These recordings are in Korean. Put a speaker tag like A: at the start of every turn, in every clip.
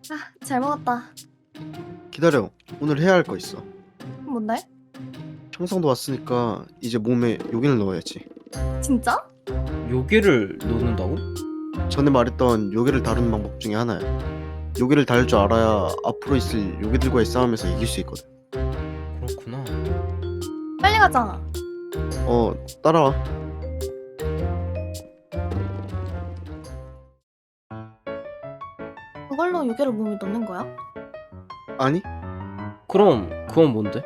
A: 잘 먹었다.
B: 기다려. 오늘 해야 할 거 있어.
A: 뭔데?
B: 청성도 왔으니까 이제 몸에 요긴을 넣어야지.
A: 진짜?
C: 요괴를 넣는다고?
B: 전에 말했던 요괴를 다루는 방법 중에 하나야. 요괴를 다룰 줄 알아야 앞으로 있을 요괴들과의 싸움에서 이길 수 있거든.
C: 그렇구나.
A: 빨리 가자.
B: 따라와.
A: 그걸로 요괴를 몸에 넣는 거야?
B: 아니,
C: 그럼 그건 뭔데?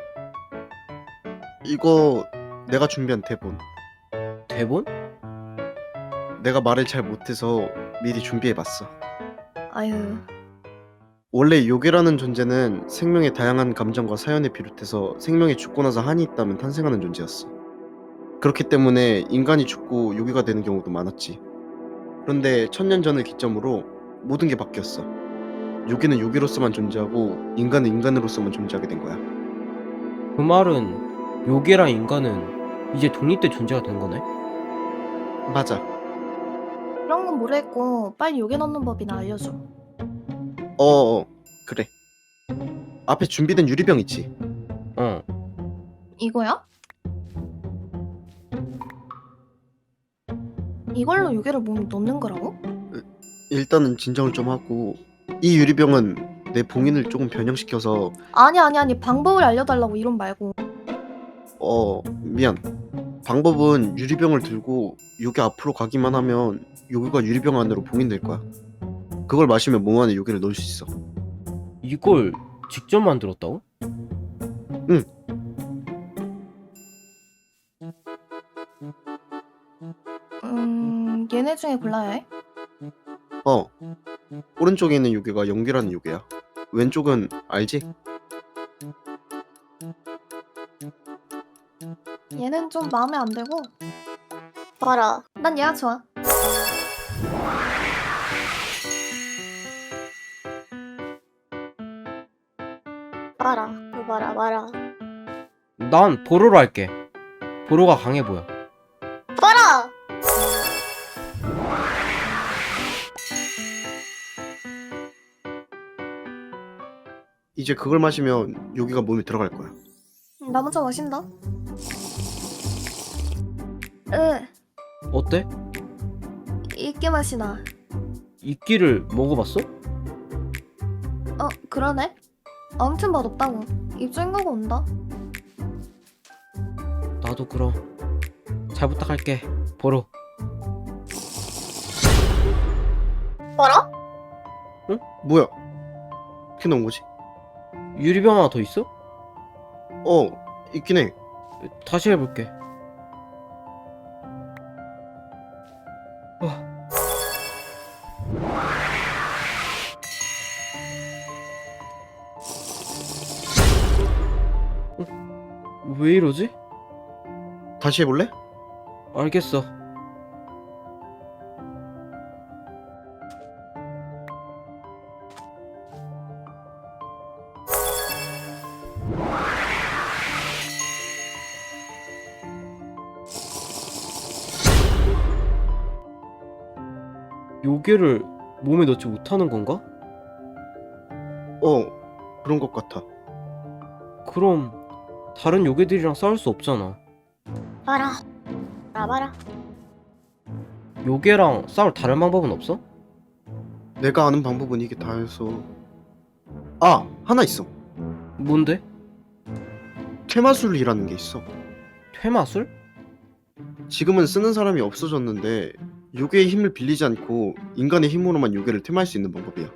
B: 이거 내가 준비한 대본.
C: 대본?
B: 내가 말을 잘 못해서 미리 준비해봤어.
A: 아유,
B: 원래 요괴라는 존재는 생명의 다양한 감정과 사연을 비롯해서 생명이 죽고 나서 한이 있다면 탄생하는 존재였어. 그렇기 때문에 인간이 죽고 요괴가 되는 경우도 많았지. 그런데 천년 전을 기점으로 모든 게 바뀌었어. 요괴는 요괴로서만 존재하고 인간은 인간으로서만 존재하게 된 거야.
C: 그 말은 요괴랑 인간은 이제 독립된 존재가 된 거네?
B: 맞아.
A: 그런 건 모르겠고 빨리 요괴 넣는 법이나 알려줘.
B: 그래. 앞에 준비된 유리병 있지?
C: 어.
A: 이거야? 이걸로 요괴를 몸에 넣는 거라고?
B: 일단은 진정을 좀 하고, 이 유리병은 내 봉인을 조금 변형시켜서
A: 아니 방법을 알려달라고 이런 말고.
B: 미안. 방법은 유리병을 들고 요괴 앞으로 가기만 하면 요괴가 유리병 안으로 봉인될 거야. 그걸 마시면 몸 안에 요괴를 넣을 수 있어.
C: 이걸 직접 만들었다고?
B: 응.
A: 얘네 중에 골라야 해?
B: 오른쪽에 있는 요괴가 연기라는 요괴야. 왼쪽은 알지?
A: 얘는 좀 마음에 안 들고.
D: 봐라.
A: 난 얘가 좋아.
D: 봐라. 이거 봐라.
C: 난 보로로 할게. 보로가 강해 보여.
D: 봐라!
B: 이제 그걸 마시면 요괴가 몸에 들어갈 거야.
A: 나 먼저 마신다. 으,
C: 어때?
A: 이게 맛이 나.
C: 이끼를 먹어봤어?
A: 그러네. 아무튼 맛없다고. 입 쫑그고 온다.
C: 나도 그럼 잘 부탁할게. 보로.
D: 봐라?
B: 뭐야? 어떻게 넣은 거지?
C: 유리병 하나 더 있어?
B: 있긴 해.
C: 다시 해볼게. 왜 이러지?
B: 다시 해볼래?
C: 알겠어. 요괴를 몸에 넣지 못하는 건가?
B: 그런 것 같아.
C: 그럼 다른 요괴들이랑 싸울 수 없잖아.
D: 봐라. 봐라.
C: 요괴랑 싸울 다른 방법은 없어?
B: 내가 아는 방법은 이게 다여서. 하나 있어.
C: 뭔데?
B: 퇴마술이라는 게 있어.
C: 퇴마술?
B: 지금은 쓰는 사람이 없어졌는데 요괴의 힘을 빌리지 않고 인간의 힘으로만 요괴를 퇴마할 수 있는 방법이야.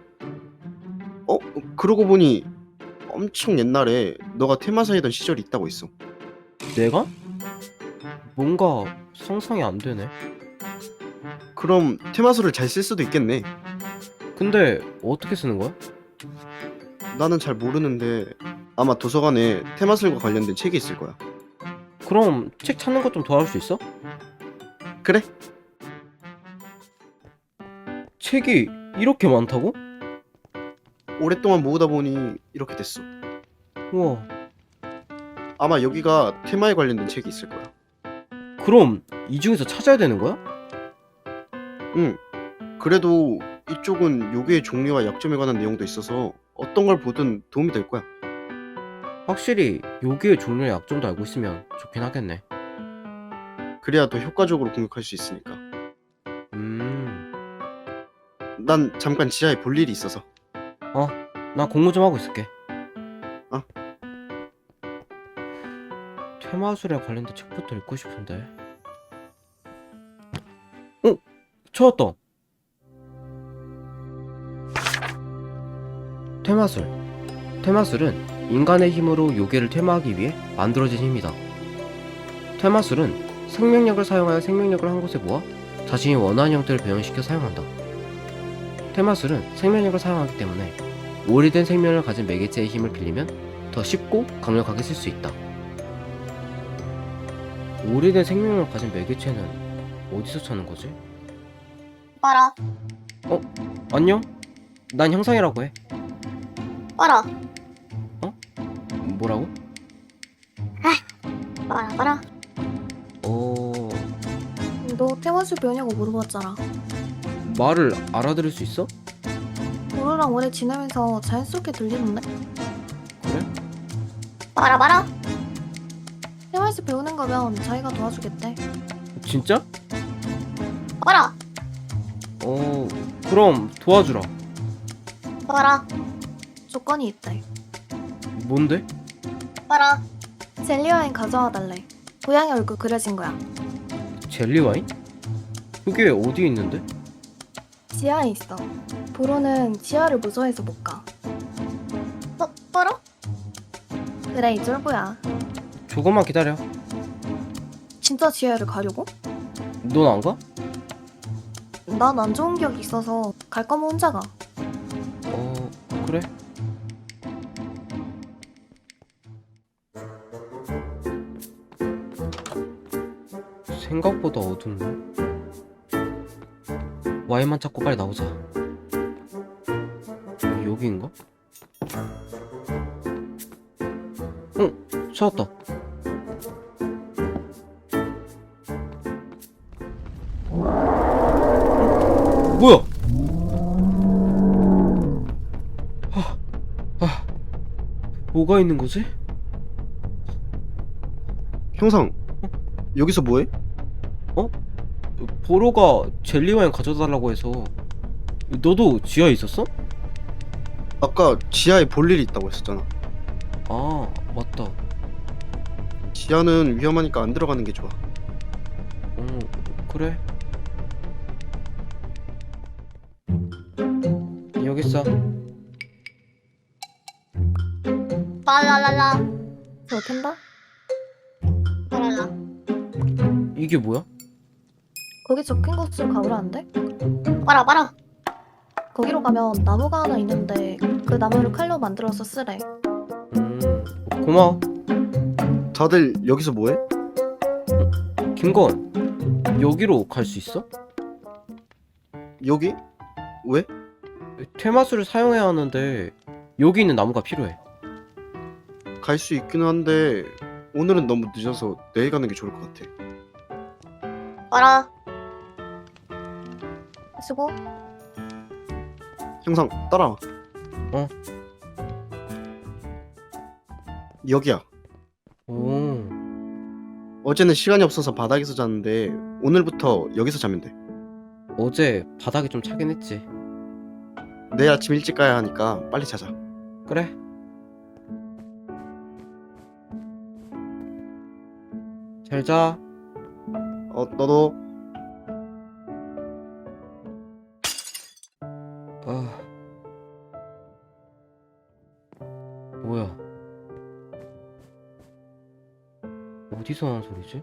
B: 그러고 보니 엄청 옛날에 너가 퇴마사이던 시절이 있다고 했어.
C: 내가? 뭔가 상상이 안 되네.
B: 그럼 퇴마술을 잘 쓸 수도 있겠네.
C: 근데 어떻게 쓰는 거야?
B: 나는 잘 모르는데 아마 도서관에 퇴마술과 관련된 책이 있을 거야.
C: 그럼 책 찾는 것 좀 도와줄 수 있어?
B: 그래?
C: 책이 이렇게 많다고?
B: 오랫동안 모으다 보니 이렇게 됐어.
C: 우와.
B: 아마 여기가 퇴마에 관련된 책이 있을 거야.
C: 그럼 이 중에서 찾아야 되는 거야?
B: 응. 그래도 이쪽은 요괴의 종류와 약점에 관한 내용도 있어서 어떤 걸 보든 도움이 될 거야.
C: 확실히 요기의 종류의 약점도 알고 있으면 좋긴 하겠네.
B: 그래야 더 효과적으로 공격할 수 있으니까.
C: 음.
B: 난 잠깐 지하에 볼 일이 있어서.
C: 나 공부 좀 하고 있을게.
B: 어.
C: 퇴마술에 관련된 책부터 읽고 싶은데. 찾았다. 퇴마술. 퇴마술은 인간의 힘으로 요괴를 퇴마하기 위해 만들어진 힘이다. 퇴마술은 생명력을 사용하여 생명력을 한 곳에 모아 자신이 원하는 형태를 변형시켜 사용한다. 퇴마술은 생명력을 사용하기 때문에 오래된 생명을 가진 매개체의 힘을 빌리면 더 쉽고 강력하게 쓸 수 있다. 오래된 생명을 가진 매개체는 어디서 찾는 거지?
D: 봐라.
C: 안녕? 난 형상이라고 해.
D: 봐라.
C: 뭐라고?
D: 봐라.
A: 너 태화술 배우냐고 물어봤잖아.
C: 말을 알아들을 수 있어?
A: 너랑 오래 지내면서 자연스럽게 들리는데?
C: 그래?
D: 봐라.
A: 태화술 배우는 거면 자기가 도와주겠대.
C: 진짜?
D: 봐라.
C: 그럼 도와주라.
D: 봐라.
A: 조건이 있대.
C: 뭔데?
D: 봐라.
A: 젤리 와인 가져와 달래. 고양이 얼굴 그려진 거야.
C: 젤리 와인? 그게 어디 있는데?
A: 지하에 있어. 보로는 지하를 무서워해서 못 가.
D: 봐라.
A: 그래 이 쫄보야.
C: 조금만 기다려.
A: 진짜 지하를 가려고?
C: 넌 안 가?
A: 난 안 좋은 기억이 있어서 갈 거면 혼자 가.
C: 그래. 생각보다 어둡네. 와인만 찾고 빨리 나오자. 여기인가? 찾았다. 뭐야? 뭐가 있는 거지?
B: 형상, 여기서 뭐해?
C: 보로가 젤리 와인 가져다 달라고 해서. 너도 지하에 있었어?
B: 아까 지하에 볼 일이 있다고 했었잖아.
C: 아, 맞다.
B: 지하는 위험하니까 안 들어가는 게 좋아.
C: 그래. 여기 있어.
D: 봐라라라.
A: 저 캔다?
D: 봐라라.
C: 이게 뭐야?
A: 거기 적힌 곳으로 가보라는데?
D: 봐라.
A: 거기로 가면 나무가 하나 있는데 그 나무를 칼로 만들어서 쓰래.
C: 고마워.
B: 다들 여기서 뭐해?
C: 김건, 여기로 갈 수 있어?
B: 여기? 왜?
C: 퇴마술을 사용해야 하는데 여기 있는 나무가 필요해.
B: 갈 수 있기는 한데 오늘은 너무 늦어서 내일 가는 게 좋을 것 같아.
D: 봐라.
A: 수고.
B: 형상, 따라와. 여기야.
C: 오,
B: 어제는 시간이 없어서 바닥에서 잤는데 오늘부터 여기서 자면 돼.
C: 어제 바닥이 좀 차긴 했지.
B: 내일 아침 일찍 가야 하니까 빨리 자자.
C: 그래. 잘 자.
B: 너도.
C: 뭐야? 어디서 나는 소리지?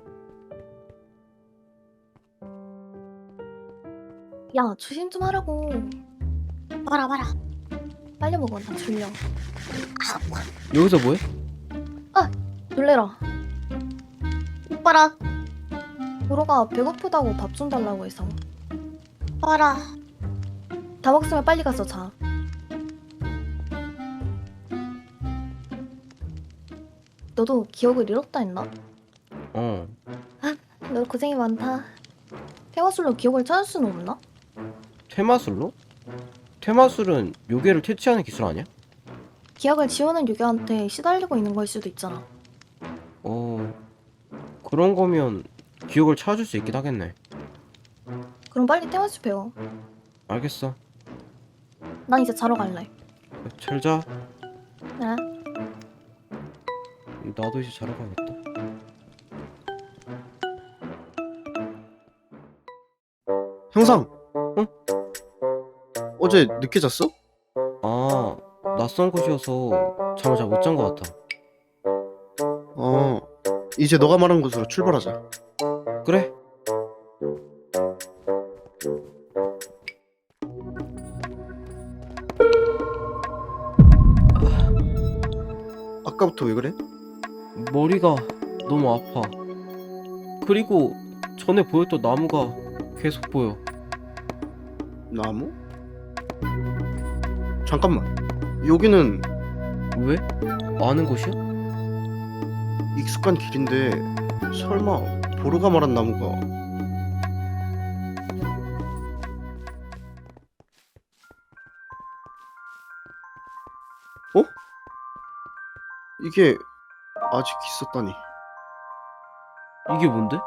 A: 야 조심 좀 하라고.
D: 봐라.
A: 빨리 먹어 나 졸려.
C: 여기서 뭐해?
A: 놀래라.
D: 봐라.
A: 보로가 배고프다고 밥 좀 달라고 해서.
D: 봐라.
A: 다 먹으면 빨리 가서 자. 너도 기억을 잃었다 했나? 너 고생이 많다. 태화술로 기억을 찾을 수는 없나?
C: 퇴마술로? 테마술은 요괴를 퇴치하는 기술 아니야?
A: 기억을 지우는 유교한테 시달리고 있는 걸 수도 있잖아.
C: 그런 거면 기억을 찾아줄 수 있긴 하겠네.
A: 그럼 빨리 테마술 배워.
C: 알겠어.
A: 난 이제 자러 갈래.
C: 잘 자.
A: 네.
C: 나도 이제 자러 가야겠다.
B: 형상!
C: 응?
B: 어제 늦게 잤어?
C: 아, 낯선 곳이어서 잠을 잘 못 잔 것 같아.
B: 이제 너가 말한 곳으로 출발하자.
C: 그래?
B: 아까부터 왜 그래?
C: 머리가 너무 아파. 그리고 전에 보였던 나무가 계속 보여.
B: 나무? 잠깐만. 여기는
C: 왜? 아는 곳이야?
B: 익숙한 길인데 설마 보루가 말한 나무가 어? 이게 아직 있었다니.
C: 이게 뭔데?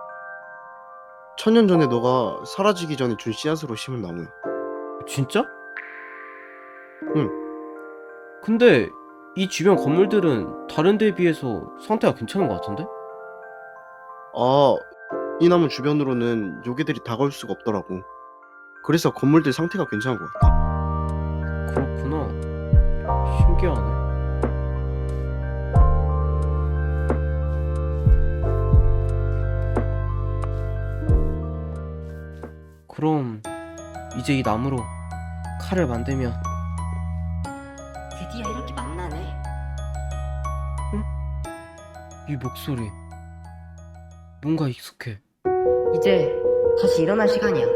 B: 천년 전에 너가 사라지기 전에 준 씨앗으로 심은 나무야.
C: 진짜?
B: 응.
C: 근데 이 주변 건물들은 다른 데에 비해서 상태가 괜찮은 것 같은데?
B: 이 나무 주변으로는 요괴들이 다가올 수가 없더라고. 그래서 건물들 상태가 괜찮은 것 같아.
C: 그렇구나. 신기하네. 그럼 이제 이 나무로 칼을 만들면
E: 드디어 이렇게 만나네.
C: 이 목소리 뭔가 익숙해.
E: 이제 다시 일어날 시간이야.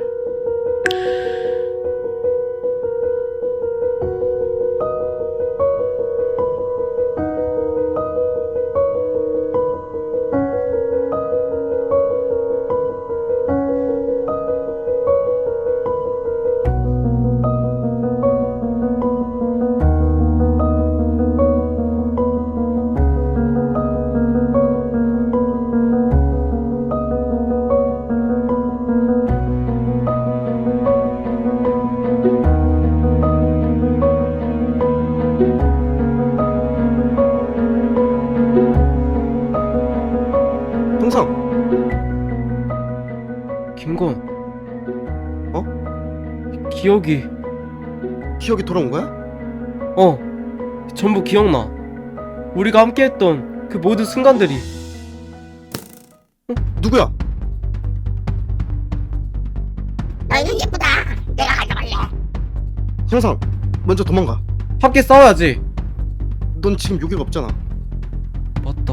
B: 형상!
C: 김건. 기억이
B: 기억이 돌아온 거야?
C: 전부 기억나. 우리가 함께했던 그 모든 순간들이.
B: 누구야?
D: 너희는 예쁘다. 내가 가져갈래.
B: 형상! 먼저 도망가.
C: 함께 싸워야지.
B: 넌 지금 요괴가 없잖아.
C: 맞다.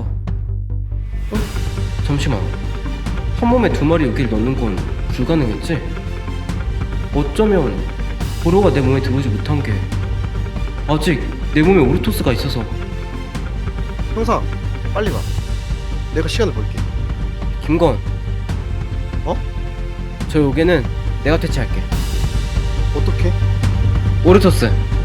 C: 잠시만. 한 몸에 두 마리 요기를 넣는 건 불가능했지? 어쩌면 보로가 내 몸에 들어오지 못한 게 아직 내 몸에 오르토스가 있어서.
B: 형상! 빨리 가. 내가 시간을 벌게.
C: 김건. 저 요괴는 내가 퇴치할게.
B: 어떻게?
C: 오르토스.